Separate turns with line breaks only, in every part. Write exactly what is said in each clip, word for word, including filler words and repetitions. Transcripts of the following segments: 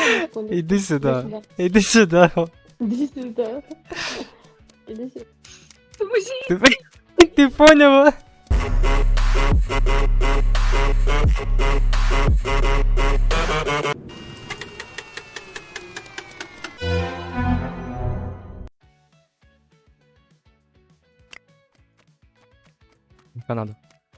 секундочку.
Іди сюди. Іди сюди.
Іди сюди. Іди сюди.
Ти, ти поняла? Канада.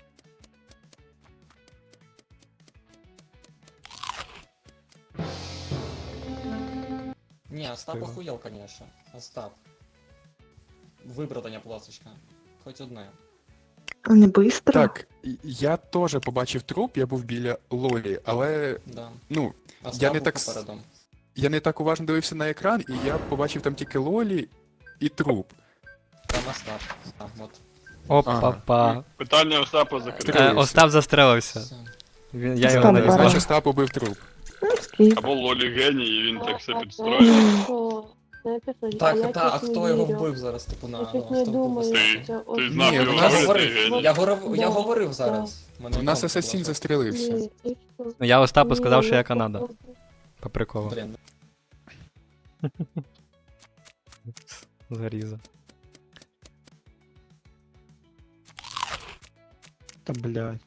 Не, Остап охуел, конечно. Остап. Виправдання, пласочка. Хоч одне.
Не быстро.
Так, і- я теж побачив труп, я був біля Лолі, але
Да.
ну,
Остап
я не
був
так с-
попередом.
я не так уважно дивився на екран, і я побачив там тільки Лолі і труп.
Там Остап. А, от.
Опа-па.
Питання Остапа закрите.
Три.
Е, Остап застрелився.
Все.
Він, я його
Остап
не
Баран.
Значить,
знаю.
Остап убив труп.
Ну, скіп.
Або Лолі геній, і він так все
А,
підстроїв.
знаєте що? Знаєте що?
Так,
я
та, а
щось не
хто його
вірю.
вбив зараз, типу, на
Я щось
Остап
не
був
думаю,
Остап.
Ти-
що це
ти
ось-
знав
Ні,
його
у
Я
нас-
Лолі,
говорив,
ти геній.
я говорив, я
Да,
говорив
да.
зараз. Мене
У нас
там
асасін
було.
застрілився.
Ні, і що?
Ну, я Остапу
Ні,
сказав, що я
я
Канада.
просто-
По приколу.
Блін.
Заріза. Та блядь.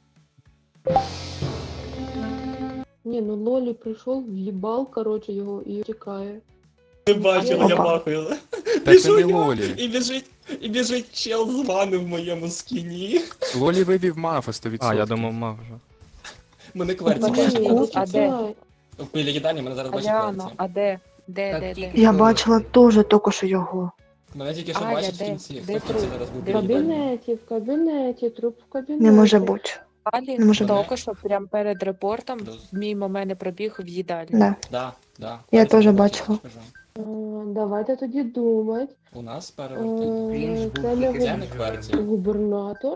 Ні, ну Лолі прийшов, в'їбав, коротше, його і тікає.
Ти бачила, я
Опа.
махаю.
Так це
Біжу
не
я,
Лолі.
і біжить, і біжить чел з вами в моєму скіні.
Лолі вивів мафа сто відсотків.
А, я думав, мав вже.
Мене кверці
Подожди,
бачить.
ну,
а де?
Біля їдальні мене зараз бачить
Аляно,
кверці.
а де? Де, де, де?
Я бачила теж тільки що його.
Мене тільки що
Аля,
бачить в
де?
кінці.
Де
Хто в кінці
труп?
зараз був
В
біля їдальні?
кабінеті, в кабінеті, труп в кабінеті.
Не може бути.
Алі
Не може
тільки що прямо перед репортом
Плюс.
мимо мене пробіг в їдальню.
Да.
Да, да.
Я
Кверці
теж
мене
бачила.
скажу.
Е, Давайте тоді думати.
У нас
Е,
перевертень.
Це не
Це не
губ-
кверці.
губернатор.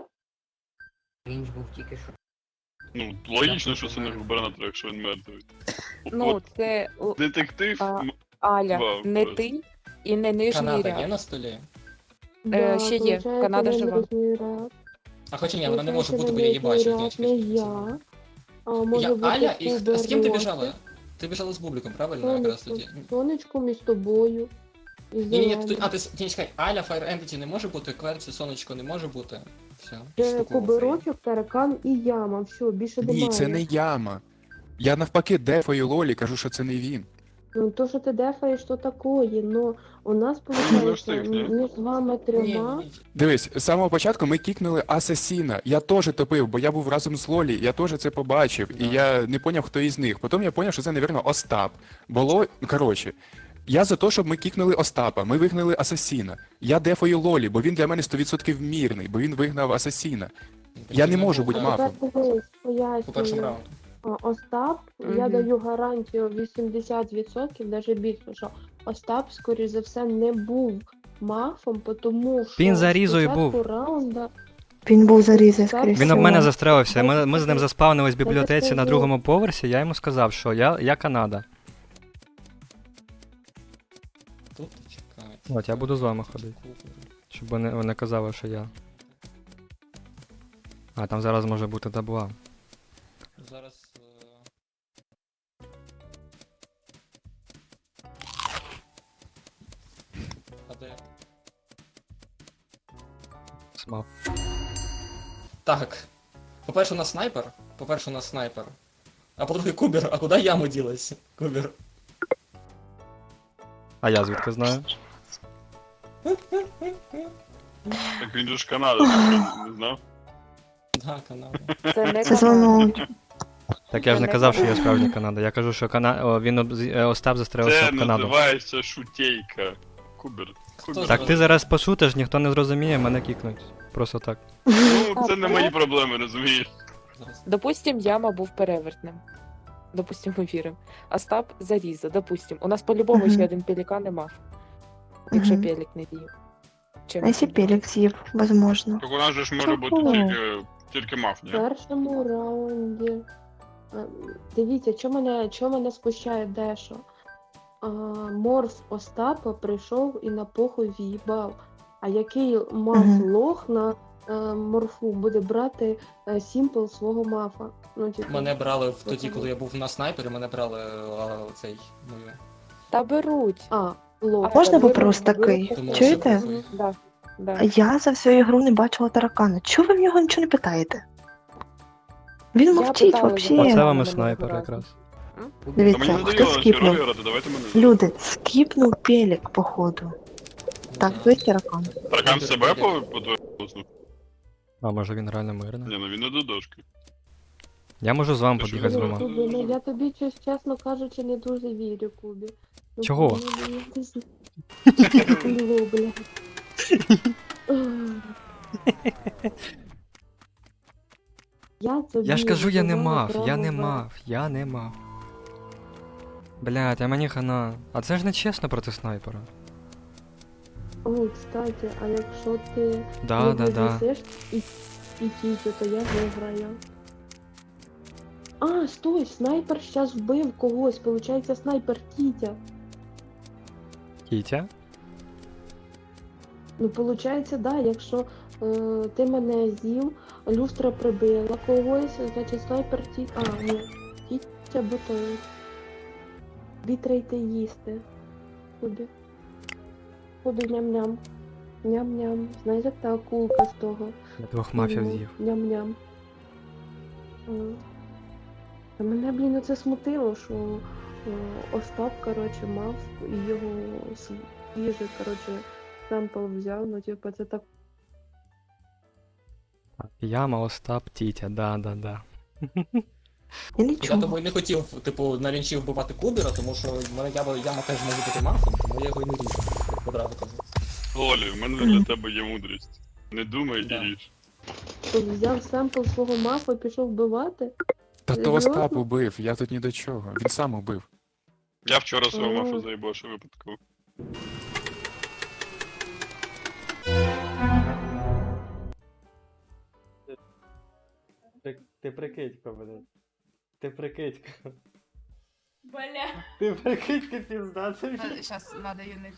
Він ж був тільки що.
Ну, логічно, що це не губернатор, якщо він мертвий.
Ну,
От
це о,
детектив.
а,
м,
Аля,
Вау,
не
просто.
ти і не нижній
Канада є
ряд.
на столі?
Да,
ще є.
получається,
Канада
не
жива.
нижній ряд.
А хоча ні, вона не може
Получається,
бути, бо я її
нижній
бачу.
ряд
Ні,
не
чекай,
я. А може
Я
бути
Аля, і хто- з ким ти
Кубер
біжала?
Росик.
Ти біжала з Бубликом, правильно? Якраз
Сонечко,
тоді.
сонечко між тобою. І
Ні, ні, ні,
зеленим.
ти- а ти с- ні, чекай, Аля, Fire Entity не може бути, Кверці, Сонечко не може бути. Все.
Це
штуку
куберочок, таракан і яма. Все, більше немає.
Ні, це не яма. Я навпаки дефаю Лолі, кажу, що це не він.
Ну то, що ти дефаєш, то такое, но у нас,
Ну,
виходить,
встиг, ні?
між вами
Ні,
трьома.
ні, ні.
Дивись, з самого початку ми кікнули асасіна. Я теж топив, бо я був разом з Лолі, я теж це побачив, і
Да.
я не поняв, хто із них. Потім я поняв, що це, навірно, Остап. Було, коротше, я за те, щоб ми кікнули Остапа, ми вигнали асасіна. Я дефаю Лолі, бо він для мене сто відсотків мірний, бо він вигнав асасіна. Я не можу бути
А
мафом.
тепер дивись,
По першому
пояснюю.
раунду.
А, Остап, я
Мгм.
даю гарантію вісімдесят відсотків, навіть більше, що Остап, скоріш за все, не був мафом, тому що
Він за Різою
спочатку
був.
раунда
Він був зарізаний,
Він
скоріше.
Він об мене
всього.
застрелився. Ми, ми з ним заспавнились в
Це
бібліотеці на
скажу.
другому поверсі, я йому сказав, що я, я Канада.
Тут чекай.
От, я буду з вами ходити. Щоб вони, вони казали, що я. А, там зараз може бути дабла.
Зараз. е, А де?
Смав.
Так. По-перше, у нас снайпер. По-перше, у нас снайпер. А по-друге, Кубер. А куди яма ділась? Кубер.
А я звідки знаю?
Так він же ж Канада, ти не знав?
Да, канал.
Це не
Це
Канада.
звонок.
Так я ж не казав, що я справжній Канада. Я кажу, що Кана... О, він об... з- е, Остап застрелився
Це
в Канаду.
називається шутейка. Кубер. Кубер.
Так ти зараз пошутиш, ніхто не зрозуміє, мене кікнуть. Просто так.
Ну, це не мої проблеми, розумієш?
Зараз.
Допустим, яма був перевертним. Допустим, ми віримо. Остап заріза, допустим. У нас по-любому
Мгм.
ще один пелікан і мав. Якщо
Мгм.
пелік не діє. Чим
А якщо
це?
пелік з'їв, возможно.
Так у нас же ж може бути
Чого?
тільки, тільки маф,
в
ні?
першому раунді. А, Дивіться, що мене, що мене спущає дещо. А, Морф Остапа прийшов і на похуй в'їбав. А який мав
Мгм.
лох на е, морфу буде брати е, сімпл свого мафа. Ну, типу,
Мене брали в тоді, коли я був на снайпері, мене брали а, цей мою.
Та беруть.
А, лох.
Можна
беруть,
вопрос
беруть,
такий?
Тому
Чуєте?
що-
Да, да.
Я за всю ігру не бачила таракана. Чого ви в нього нічого не питаєте? Він
Я
мовчить
питала
взагалі.
його.
Оце
Ні,
вам і
не
снайпер
можу
якраз.
А мені
Дивіться, хто
надоело ще
скіпнув?
ролі грати, давайте мене.
Люди, скіпнув пелік, походу. Так, той таракан.
Таракан себе по по твоєму голосу?
А може він реально мирний?
Ні, ну він не до дошки.
Я можу з вами
Ти що,
побігати з
не
двома.
Кубі, ну я тобі щось, чесно кажучи, не дуже вірю, Кубі. Ну,
Чого?
Кубі, ну, я не знаю. Ну, бля. Я тобі
Я ж кажу, я не
сказала
мав, я не
право
мав, я не мав. Блядь, а мені хана. А це ж не чесно проти снайпера.
Ой, кстати, а якщо ти
Да,
не
да, да.
віднесеш і, і тітю, то я виграю. А, стой, снайпер щас вбив когось, получається снайпер Тітя.
Кітя?
Ну, получається, да, якщо е, ти мене з'їв, люстра прибила когось, значить снайпер Тітя. А, ні, Тітя бутою. Бітрейте їсти. Кубі. Кубі ням-ням. Ням-ням. Знаєш, як та акулка з того?
Я двох мафів
Ну,
з'їв.
Ням-ням. М. Та мене, блін, оце смутило, що о, Остап, коротше, мав і його свіжий, коротше, семпл взяв, ну, типу, це так.
Яма, Остап, Тітя, да, да, да.
Я
Я
нічого.
тому і не хотів, типу, на лінчі вбивати Кубера, тому що в мене яма, яма теж може бути мафом, тому я його і не ріжу, як одразу кажу.
Лолі, в мене для тебе є мудрість. Не думай і
Да.
ріж.
Тут взяв семпл свого мафа і пішов вбивати.
Та то
Серйозно?
Остап убив, я тут ні до чого. Він сам убив.
Я вчора свого
О.
мафа заїбавши випадково.
Ти, ти прикидько, блядь. Ти прикидько.
Бля.
Ти прикидько, пізда, це вже.
Сейчас надо юнить.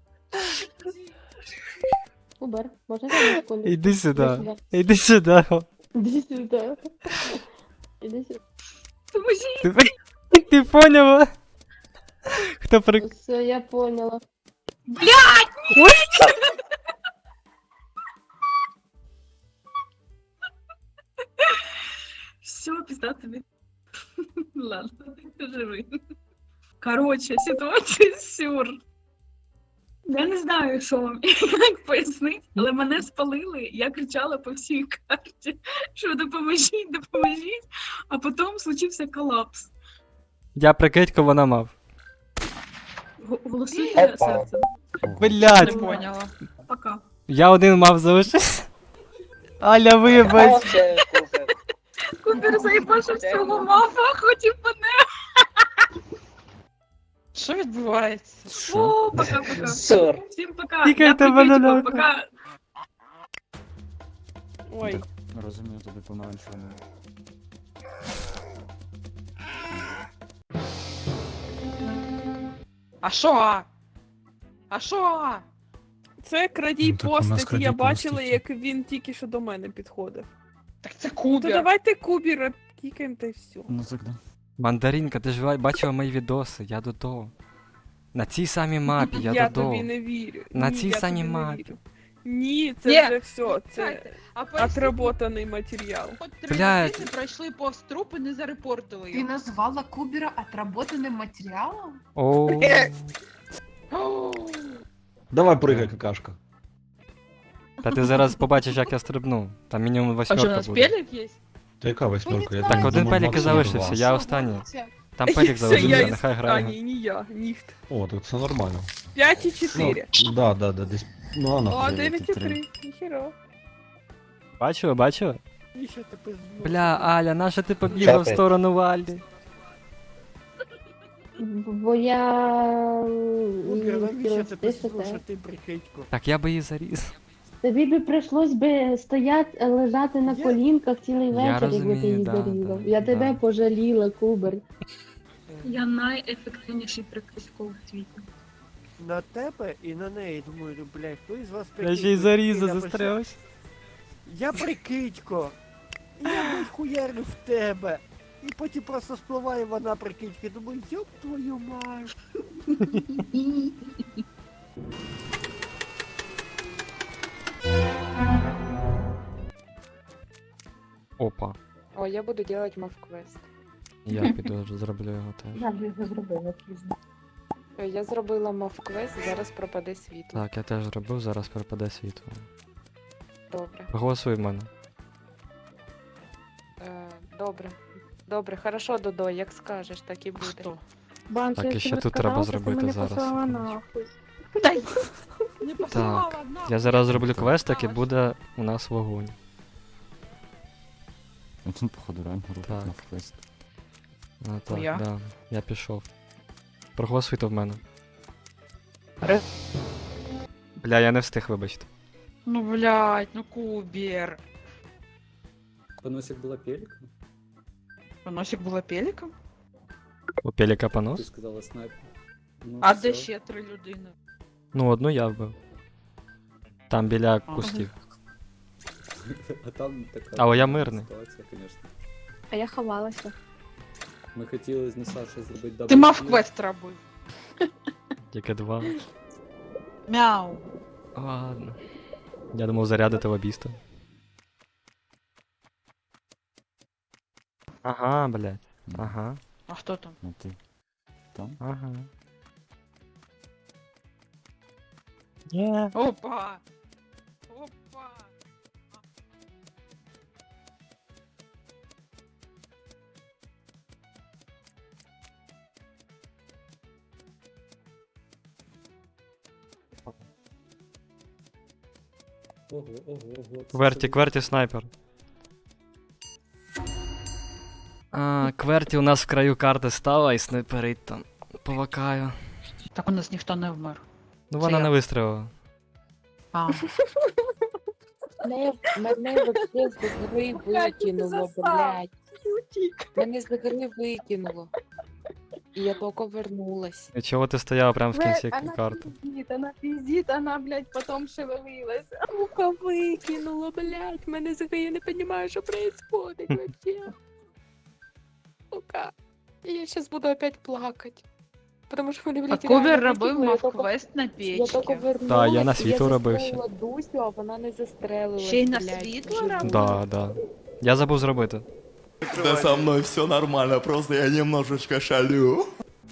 Убер, можна я на секунду?
Іди сюди.
Іди сюди.
Іди сюди.
Іди сюди. Іди сюди.
Ти, ти поняла? Хто при...
Все, я поняла.
Все, пизда тобі. Ладно, живи. Короче, ситуація сюр. Я не знаю, що вам як пояснити, але мене спалили, я кричала по всій карті, що допоможіть, допоможіть, а потім случився колапс.
Я прикидько, вона мав.
Г- Голосуйте серцем.
Блядь,
поняла. Пока.
я один мав залишився. Аля, вибач.
Кубер заїбашив цього мафа, хотів мене.
Що відбувається?
О, пока-пока.
Сур.
Всім пока.
Тільки
Я
тебе
прикритику,
не надо.
пока.
Ой.
Розумію, тобі помаранчевому.
А що? А що?
Це крадій
Ну, так у нас
постаті,
крадій
я бачила,
постаті.
як він тільки що до мене підходив.
Так це
То
Кубер.
давайте Кубіра кікаємо та й все.
Ну так да.
Мандаринка, ти ж ба- бачила мої відоси, я додо. На цій самій мапі, я,
Я
додо.
тобі не вірю.
На
Ні,
цій
я
самій
тобі не
мапі.
вірю. Ні, це
Ні.
вже все. Це
Чекайте, а поясніть,
отработаний матеріал.
хоч три
Блядь.
людини пройшли повз труп і не зарепортили
Ты
його.
назвала Кубера отработанным материалом?
Оу.
Давай пригай, какашка.
Та ти зараз побачиш, як я стрибну. Там мінімум
А що, у
восьмерка
нас
буде.
пелік є?
Та яка восьмерка? Я
Так,
думаю,
один
думаю,
пелік і
максимум
залишився,
два.
я останній. Там пелік
Це
залишився,
я
нехай
А,
грає.
ні, не я, ніхт.
О, так це нормально.
п'ять і чотири.
Ну, да, да, да, десь. Ну, а
О,
нахуй.
дев'ять і три. Ніхіро.
Бачила, бачила?
Ніщо ти пизду.
Бля, Аля, наша ти побігла в сторону Валі?
Бо я...
Кубір,
м,
навіщо
хотіла
ти
стишити.
послухати прикидьку?
Так я би її заріз.
Тобі би прийшлось би стояти, лежати на
Я-
колінках цілий
Я
вечір, якби ти
розумію,
її
да,
зарізав.
да,
Я тебе
да.
пожаліла, Кубер.
Я найефективніший прикидько у світі.
На тебе і на неї, думаю, ну, блядь, хто із вас
Я ще й заріза застрявся.
Я прикидько. Я блядь, хуярю в тебе. І потім просто спливає вона прикидьки. Думаю, ёб твою мать.
Опа.
О, я буду делать мав-квест.
Я піду зроблю його теж.
Я вже його зробила пізно.
Е, Я зробила мав-квест, зараз пропаде світло.
Так, я теж зробив, зараз пропаде світло.
Добре.
Проголосуй в мене.
Е, добре. Добре, хорошо, Додо, як скажеш, так і буде.
Хто?
Банша,
Так, і
якщо
ще
ви
тут треба
сказали, то
зробити
мене
зараз,
послала
секундочку.
нахуй.
Не
Так, я зараз зроблю квестик і буде у нас вогонь.
Він, походу, реально робить
Так.
на квест.
А, так,
я?
да. Я пішов. Проголосуйте в мене.
Ре-
Бля, я не встиг, вибачте.
Ну блядь, ну Кубер.
Поносик була пеліком?
Поносик була пеліком?
У Пеліка понос?
сказала снайпер. Ну,
А де ще три людини?
Ну, одну я вбив. Там біля кустів.
А там така
Але я мирний.
ситуація, звісно.
А я ховалася.
Ми хотіли з Несашою зробити
Ти мав квест робив.
Тільки два.
Мяу.
Ладно. Я думав зарядити лобіста. Ага, блядь. Ага,
А хто там?
Ну ти. Там?
ага. Є.
Опа! Опа!
Ого, ого, ого.
Кверті, кверті снайпер. А, кверті у нас в краю карти стала і снайперить там. Повакаю.
Так у нас ніхто не вмер.
Ну
Це
вона
я.
не вистрілила.
А,
Мене, мене вообще з гри викинуло, блядь. Мене з гри викинуло. І я тільки вернулась.
І чого ти стояла прямо в кінці карти?
пиздит, она пиздит, она, блядь, потом шевелилась.
Сука, викинуло, блядь. Мене з гри, я не розумію, що происходит вообще. Сука. І я зараз буду опять плакать. Потому що мене,
а
блядь,
Кубер
реально
робив
викинуло, я тільки-
мав-квест на
Я тільки
печці.
вернулась,
Да, я на
і
світло робив ще.
застрелила Дусю, а вона не застрелилась,
Ще й на
блядь,
світло
живу.
робив?
Да, да. Я забув зробити.
Да со мною все нормально, просто я немножечко шалю.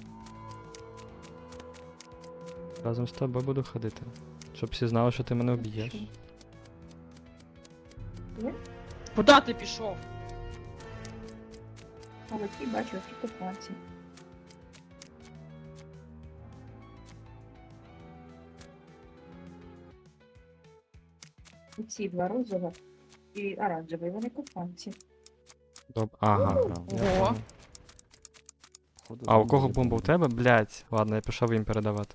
Разом з тобою буду ходити. Щоб всі знали, що ти мене вб'єш.
Куда ти пішов?
Але ті бачу, що купації. Ці два розові і оранжеві, вони купанці.
Доб... Ага. я
Ого.
понял. А у кого бомба у тебе? Блять. Ладно, я пішов їм передавати.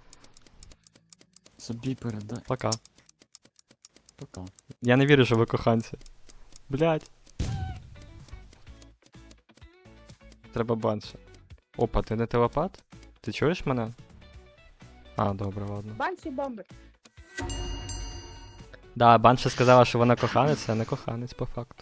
Собі передай.
Пока.
Пока.
Я не вірю, що ви коханці. Блять. Треба банша. Опа, ти не телепат? Ти чуєш мене? А, добре, ладно.
Банші бомби.
Да, банша сказала, що вона коханець, а не коханець по факту.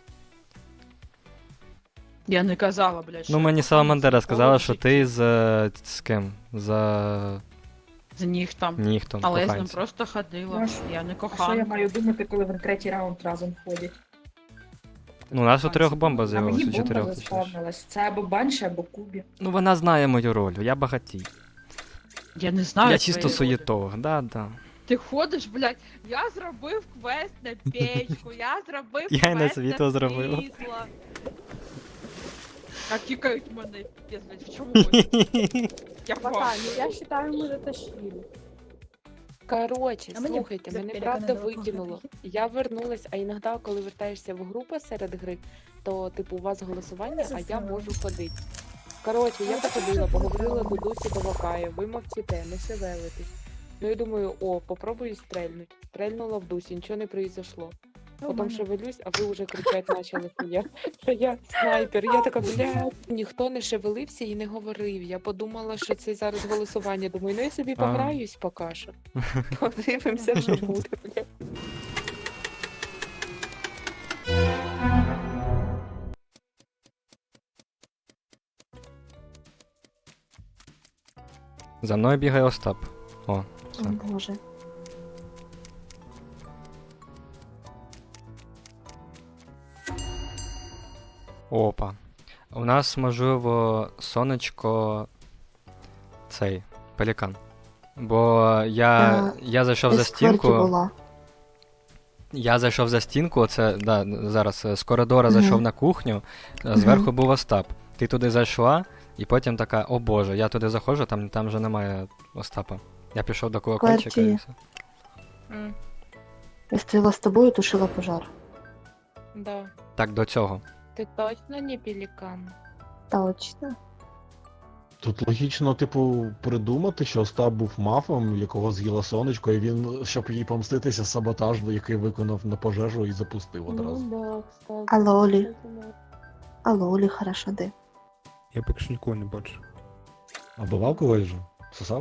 Я не казала, блядь, що
Ну
я
мені
коханець
Саламандера сказала,
ніколи в
що
житті.
ти з е, з ким? За
З них там.
ніхтом
Але я з ним
коханцем.
просто ходила.
Ну, а
Я не
А що я
коханка.
маю думати, коли в третій раунд разом ходять?
Ну, у нас у трьох бомба
А
з'явилась,
мені
у
бомба
чотирьох точніше.
заспавнилась. Це або банші, або кубі.
Ну вона знає мою роль, я багатій.
Я не знаю.
Я чисто
твоєї ролі.
суєтолог, да, да.
Ти ходиш, блядь, я зробив квест на печку, я зробив
Я й на
квест
світло
на
зробила.
світло. А кікають мене, пиздець, блядь, в чому? ви? Я
Пока,
бачу.
ну я считаю, мы затащили.
Короче,
А мені
слухайте,
за
мене
пелікана
правда
було
викинуло. Я вернулась, а іноді, коли вертаєшся в групу серед гри, то типу у вас голосування, а я можу ходити. Коротше, я походила, поговорила до Дусі до Вакаю, ви мовчите, не шевелитесь. Ну я думаю, о, попробую стрельнуть. Стрельнула в Дусі, нічого не произошло. Потім шевелюсь, а ви вже кричать почали, що я, що я снайпер. Я така, блядь. Ніхто не шевелився і не говорив. Я подумала, що це зараз голосування. Думаю, ну я собі
А.
пограюсь поки що. Подивимося, що буде, блядь.
За мною бігає Остап. О,
О,
все.
Боже.
Опа. У нас, можливо, сонечко. Цей. Пелікан. Бо я,
Е,
я зайшов за
Із квартирі
стінку.
була.
Я зайшов за стінку, це да, зараз е, з коридора
Мгм.
зайшов на кухню, е, зверху був Остап. Ти туди зайшла, і потім така, о боже, я туди заходжу, там, там вже немає Остапа. Я пішов до колокольчика і
Квартирі.
все.
М,
Я стояла з тобою, тушила пожар.
да.
Так, до цього.
Ти точно не пелікан?
Точно.
Тут логічно, типу, придумати, що Остап був мафом, якого з'їла сонечко, і він, щоб їй помститися, саботаж, який виконав на пожежу і запустив одразу.
Ну да, кстати.
А Лолі?
Кстати, да.
А Лолі хорошо, де?
Я поки що нікого не бачу.
А бував когось же? Сосав?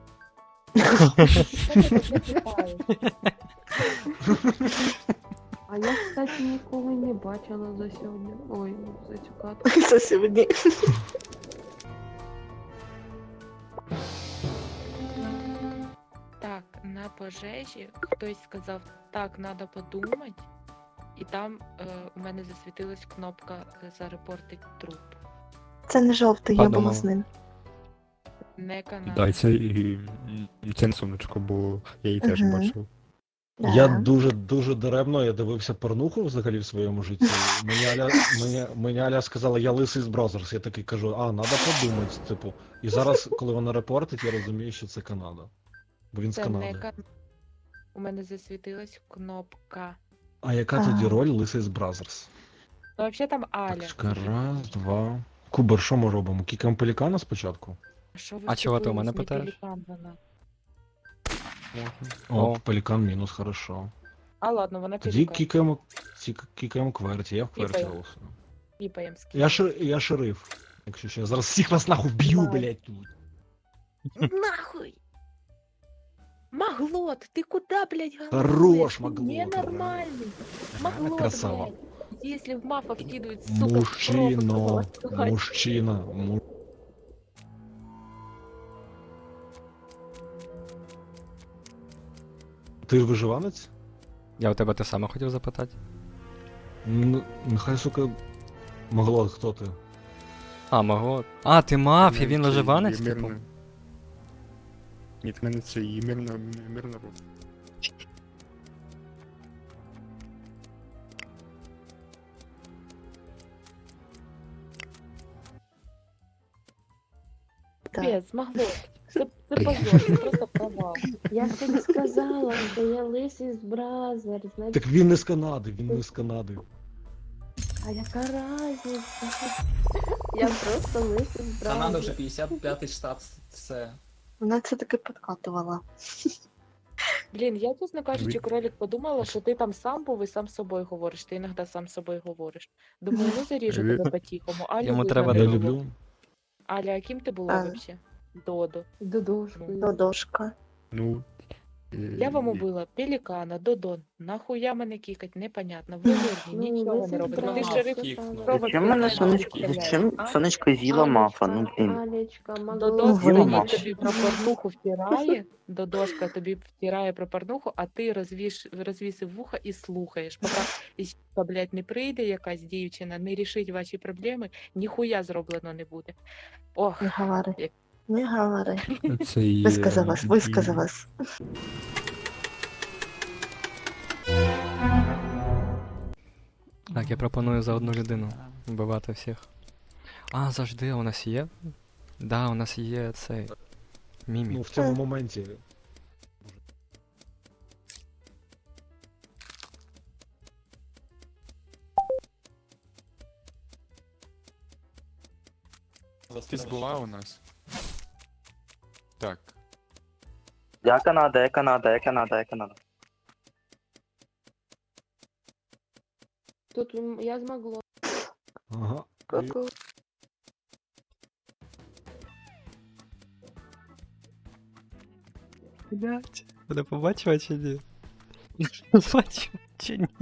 А я, кстати, ніколи не бачила за сьогодні. Ой, за цю катку.
Це сьогодні.
Так, на пожежі хтось сказав, так, треба подумати, і там е, у мене засвітилась кнопка е, зарепортить труп.
Це не жовтий, я була
Подумала.
з ним.
Не канал.
Да, і це, і, і це не сонечко, бо я її теж
Мгм.
бачив.
Да.
Я дуже дуже даремно я дивився порнуху взагалі в своєму житті. Мені Аля, мені, мені Аля сказала, я лисий з Бразерс. Я такий кажу, а, треба подумати, типу. І зараз, коли вона репортить, я розумію, що це Канада. Бо він з
Це не
Канади.
канал. У мене засвітилась кнопка.
А яка
Ага.
тоді роль лисий з Бразерс?
Ну, взагалі там Аля.
Так, чекай, раз, два. Кубер, що ми робимо? Кікаємо пелікана спочатку?
Що ви
А чого ти у мене
втупились? Не
питаєш?
пелікан вона.
О,
О.
пелікан мінус, хорошо.
А ладно, вона
Тоді
пелікан.
кікаємо, кі- кікаємо кверті, я в кверті
Кікаємо.
голосую.
Піпаєм з
Я, шер, я шериф. Якщо що, я зараз всіх вас нахуй вб'ю,
Давай.
блядь, тут.
Нахуй! Маглот, ты куда, блядь,
Хорош,
голосуешь? Ты
Маглот,
ненормальный. Маглот,
красава.
блядь. Если в мафов кидают, сука, в
Мужчина,
пропасть, блядь.
мужчина, му... Ти ж виживанець?
Я у тебе те саме хотів запитати.
Ну, нехай, сука, могло, хто ти?
А, мого. А, ти мафія, він виживанець, типу?
Ні, в мене це і мирна, мирна роль.
Пипец, Маглот. Це, це позор, це просто провал.
Я ж тобі сказала, що я лисий з Бразер, значить,
Так він не з Канади, він не з Канади.
а яка разниця? Я просто лисий з
Канада вже
Бразер.
п'ятдесят п'ятий штат, все.
Вона це таки підкатувала.
Блін, я, чесно кажучи,
Ви-
кролик подумала, що ти там сам був і сам з собою говориш. Ти іноді сам з собою говориш. Думаю, ну заріжу
Ви-
тебе по-тихому. Алю
Йому
видно
треба
не
Я
було.
люблю.
Аля, а ким ти була
А.
взагалі? Додо.
Додошкою.
Додошка.
Ну. е,
Я вам убила пелікана, Додон. Нахуя мене кікать, непонятно. Ви мирні,
Ну,
нічого
лисий
не
з
робите. Ти
Бразер,
шериф
все
кікнув.
саме.
Робот
Зачем мене
пелікана
сонечко,
стріляє.
зачем
А?
сонечко з'їла мафа, ну блін.
Алечка,
Додоска
Маглот.
Ой,
мені
Маш.
тобі про порнуху втирає, Додошка тобі втирає про порнуху, а ти розвіш, розвісив вуха і слухаєш. Поки іщука, блядь, не прийде якась дівчина, не рішить ваші проблеми, ніхуя зроблено не буде. Ох,
Не говори.
Як-
Не говори.
Це і,
Висказалась,
е,
висказалась.
Так, я пропоную за одну людину вбивати всіх. А, завжди у нас є? Да, у нас є цей. Мімі.
Ну, в цьому моменті. Ти була у нас? Так.
Я Канада, я Канада, я Канада, я Канада.
Тут м, я змогла.
Ага.
Ку-ку.
Блять, ти побачила чи ні? Побачила чи ні?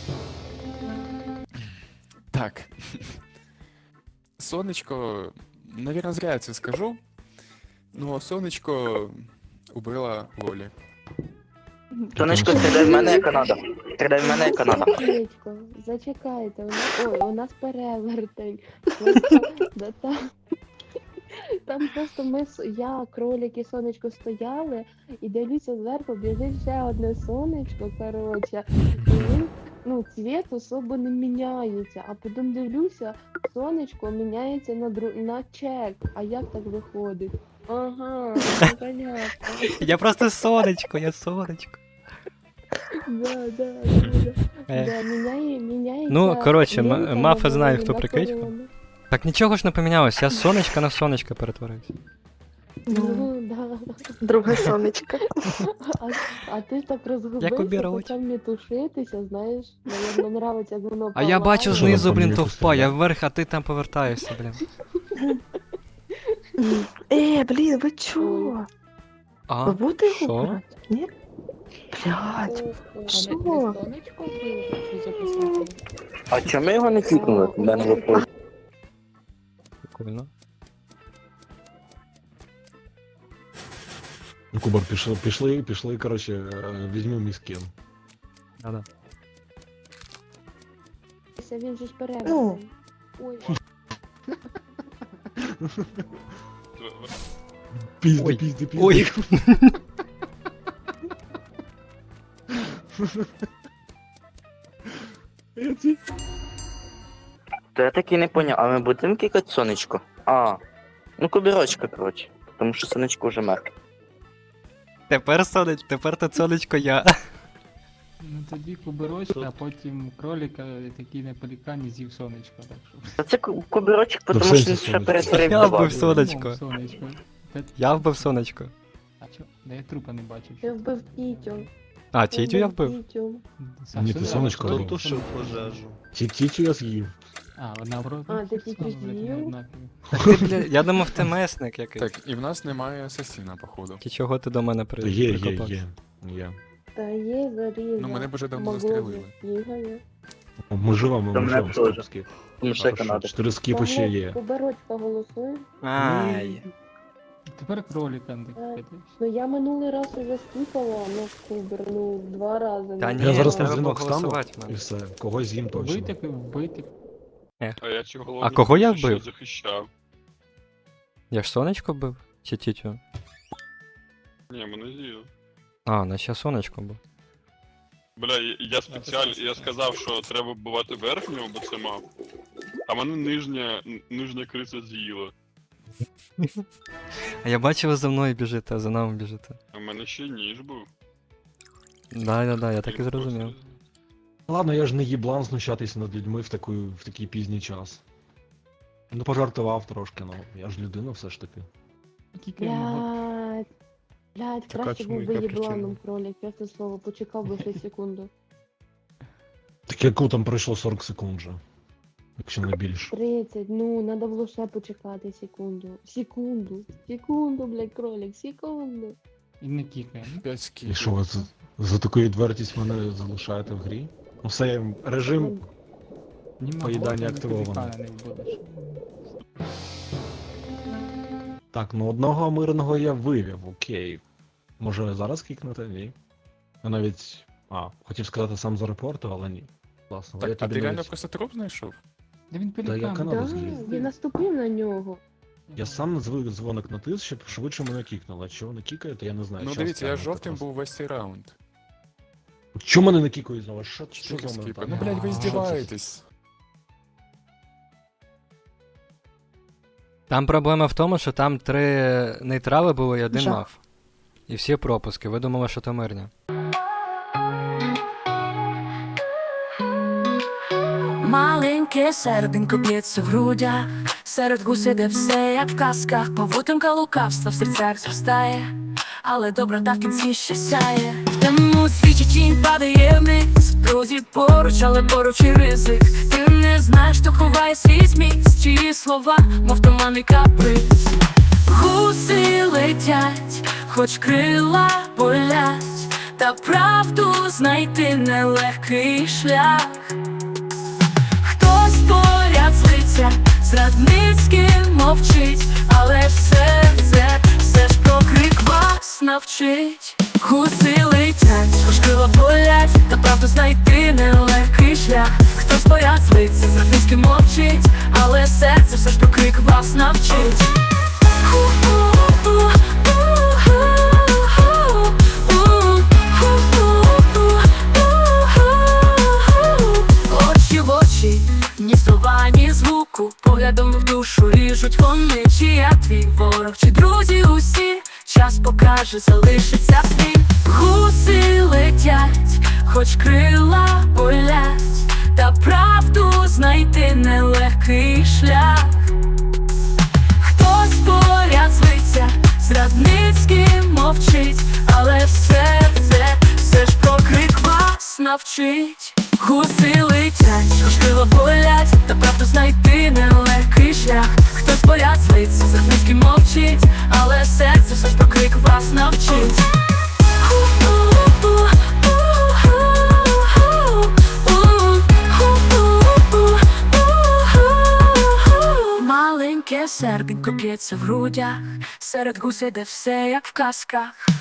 Так. Сонечко Навірно, зря я це скажу. Ну, сонечко убила Лолі.
Сонечко, стріляй в мене, яка надо. Стріляй в мене, яка надо.
Сонечко, зачекайте, у нас, ой, у нас перевертень. Просто, да, там, там просто ми, с- я, кролик і сонечко стояли, і дивлюся зверху, біжить ще одне сонечко, коротше, і він, ну, цвіт особо не міняється, а потім дивлюся, сонечко міняється на, дру... на чек, а як так виходить? Ага, ну, понятно.
Я просто сонечко, я сонечко.
Да, да, да, да.
Е.
Да, міняє, міняється.
Ну, коротше, м-
лінка
Мафа
на
знає,
голові,
хто
на
прикидько.
корону.
Так нічого ж не помінялось, я з сонечка на сонечко перетворився.
Ну, да.
Друге сонечко.
А, а ти так розгубився,
обірвач.
почав не тушитися, знаєш, наверно, нравиться, як воно
А я бачу
палає.
знизу, блін,
Що там
товпа, я
помінявся?
вверх, а ти там повертаєшся, блін.
Е, блін, ви чого?
А,
Ви будете його
що?
брати? Ні? Блядь. Що?
Сонечко вбив, чи записати?
А чому ми його не кікнули? В мене вопрос.
Прикольно.
Ну, Кубар, пішли, пішли, пішли, коротше, е, візьми мій скін.
Да-да.
Він же ж
Ну.
перевертень. Ой.
Пізди,
Ой,
пізди, пізди.
ой.
Я ці-
То я таки не поняв, а ми будемо кікати сонечко? А, ну кубірочка, коротше. Тому що сонечко вже мертве.
Тепер сонечко, тепер то сонечко я.
Ну тоді кубирочка, а потім кролика, такий на пелікані з'їв сонечко, так що.
Та це ку- кубірочок,
Ну, в
тому що
сенсі
він ще
сонечко.
перетворив
Я
на
вбив
бабу.
сонечко.
Ну, сонечко. Та-
Я вбив сонечко.
А чо? Да я трупа не бачив.
Я вбив Тітю.
А, тітю я вбив.
Тітю.
Ні, ти сонечко
Хто
вбив.
тушив пожежу?
Ті Тітю я з'їв.
А, вона в рот.
А, ти тільки
Блядь, вони
з'їв?
однакові.
Так ти, бля, я думав, ти месник якийсь.
Так, і в нас немає асасіна, походу.
Ті чого ти до мене при...
Та є, є,
прикопався?
є. Є.
Та є заріза.
Ну, мене б вже давно
Могло
застрелили.
б, бігає.
Ми живемо,
Та
ми
мене
живемо,
теж.
стоп, скіп.
Тому що
Хорошо,
Канада.
Чотири скіпи ще є.
Куберочка голосує.
Ай.
Тепер кролика не кикати.
Ну я минулий раз уже скіпала, ну кубер, ну два рази.
Та
ну,
ні,
Я зараз
треба
на дзвінок стану
проголосувати в мене.
і все. Когось з'їм точно.
Вбити, вбити.
А я цього
А кого я
ще
вбив?
захищав.
Я ж сонечко бив? Чи тітю?
Ні, мене з'їв.
А, наче сонечко був.
Бля, я- я спеціально, я сказав, що треба вбивати верхнього, бо це мав. А мене нижня, н- нижня криця з'їла.
А я бачив, ви за мною біжите, а за нами біжите.
А в мене ще ніж був.
Да-да-да, я так і зрозумів.
Ладно, я ж не їблан знущатися над людьми в, таку, в такий пізній час. Ну, пожартував трошки, ну. Я ж людина все ж таки.
Кікаємо.
Блядь. Блядь,
Така
краще
чому,
був би
яка
єбланом
причина?
кролик, я це слово почекав би ще секунду.
Так яку там пройшло сорок секунд же. Якщо не більше.
тридцять, ну, надо було ще почекати секунду. Секунду. Секунду, блядь, кролик, секунду.
І не кікаємо.
П'ять
І
скіпів.
що ви за, за таку відвертість мене залишаєте в грі? Ну все, режим.
Ні
Поїдання
Магота, ні
активовано.
пелікана не вбудеш.
Так, ну одного мирного я вивів, окей. Може зараз кікнути? Ні. Я навіть. А, хотів сказати сам зарепортив, але ні. Класно. я
Так, а
тобі
ти реально
навіть-
просто труп знайшов?
Да він
Та я
пелікан.
канал
Да,
з'їв.
він наступив на нього.
Я сам звик дзвоник натис, щоб швидше мене кікнуло. А чого не кікаєте, я не знаю.
Ну
Щас
дивіться, я
глянути
жовтим
просто.
був весь цей раунд.
Чому мене не кікають знову? Що, що
Чотири
за мене
скіпи.
там?
Ну, блядь, ви
А, що це?
здіваєтесь.
Там проблема в тому, що там три нейтрали були і один
Жах.
мав. І всі пропуски. Ви думали, що то мирня.
Маленьке серденько б'ється в грудях, серед гусей, де все як в казках, павутинка лукавства в серцях зростає, але доброта в кінці ще сяє. В темному світі тінь падає вниз, друзі поруч, але поруч і ризик. Ти не знаєш, хто ховає свій зміст, чиї слова, мов туманний каприз. Гуси летять, хоч крила болять, та правду знайти нелегкий шлях. Хтось поряд злиться, зрадницьким мовчить, навчить. Гуси летять, хоч крила болять, та правду знайти нелегкий шлях. Хтось боять злиться, зрадницьки мовчить, але серце все ж про крик вас навчить. Очі в очі, ні слова, ні звуку, поглядом в душу ріжуть вони. Чи я твій ворог, чи друзі усі, час покаже, залишиться слід. Гуси летять, хоч крила болять, та правду знайти нелегкий шлях. Хтось поряд злиться, зрадницьки мовчить, але все це все ж про крик вас навчить. Гуси летять, хоч крила болять, та правду знайти нелегкий шлях. Хтось поряд злиться, зрадницьки мовчить, але серце все ж про крик вас навчить. Маленьке серденько б'ється в грудях, серед гусей, де все як в казках.